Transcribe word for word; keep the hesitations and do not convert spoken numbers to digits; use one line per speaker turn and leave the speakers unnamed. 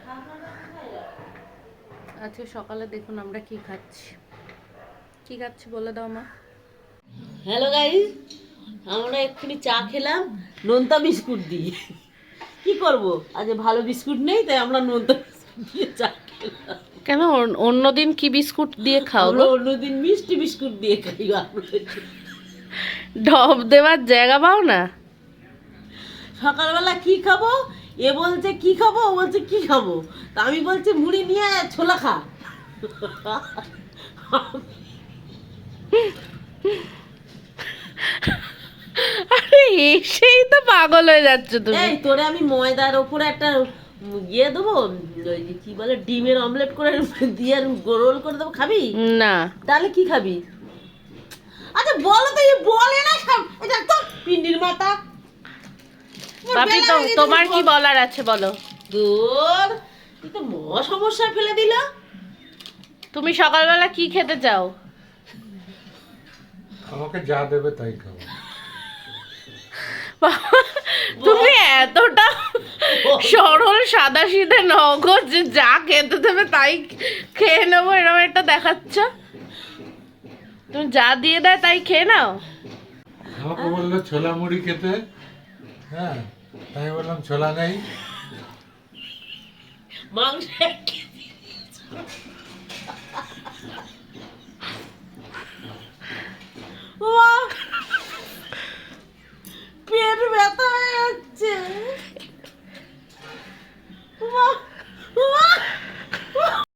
আজকে সকালে দেখুন আমরা কি খাচ্ছি। কি খাচ্ছি বলে দাও মা।
হ্যালো গাইস, আমরা এক্ষুনি চা খেলাম নোনতা বিস্কুট দিয়ে। কি করব, আজ ভালো বিস্কুট নেই, তাই আমরা নোনতা বিস্কুট দিয়ে চা খেলাম।
কেন অন্যদিন কি বিস্কুট দিয়ে খাও
আমরা
গো?
অন্যদিন মিষ্টি বিস্কুট দিয়ে খাই।
ঢপ দেওয়ার জায়গা পাও না?
সকালবেলা কি খাবো, এ বলছে কি খাবো, ও বলছে কি খাবো, তা আমি বলছি মুড়ি নিয়ে আয়, ছোলা খা।
আরে এসেই তো পাগল হয়ে যাচ্ছে তুমি।
এই তোরে আমি ময়দার ওপরে একটা ইয়ে দেবো, ওই যে কি বলে ডিমের অমলেট করে দিয়ে রোল করে দেবো, খাবি?
না।
তাহলে কি খাবি? আচ্ছা বলো তো, এই বলে না সব, এটা তো পিন্ডির মাথা।
বাপি তো তোমার কি বলার আছে বলো।
দূর, তুই তো মহা সমস্যায় ফেলে দিল।
তুমি সকালবেলা কি খেতে চাও?
আমাকে যা দেবে তাই খাবো।
তুমি এতটা সরল সাদা সিধে নগো যে যা খেতে দেবে তাই খেয়ে নেবো, এরকম একটা দেখাচ্ছ। তুমি যা দিয়ে দেয় তাই খেয়ে নাও।
আমাকে বললো ছোলা মুড়ি খেতে, হ্যাঁ আমি বললাম ছোলা নেই।
মাংস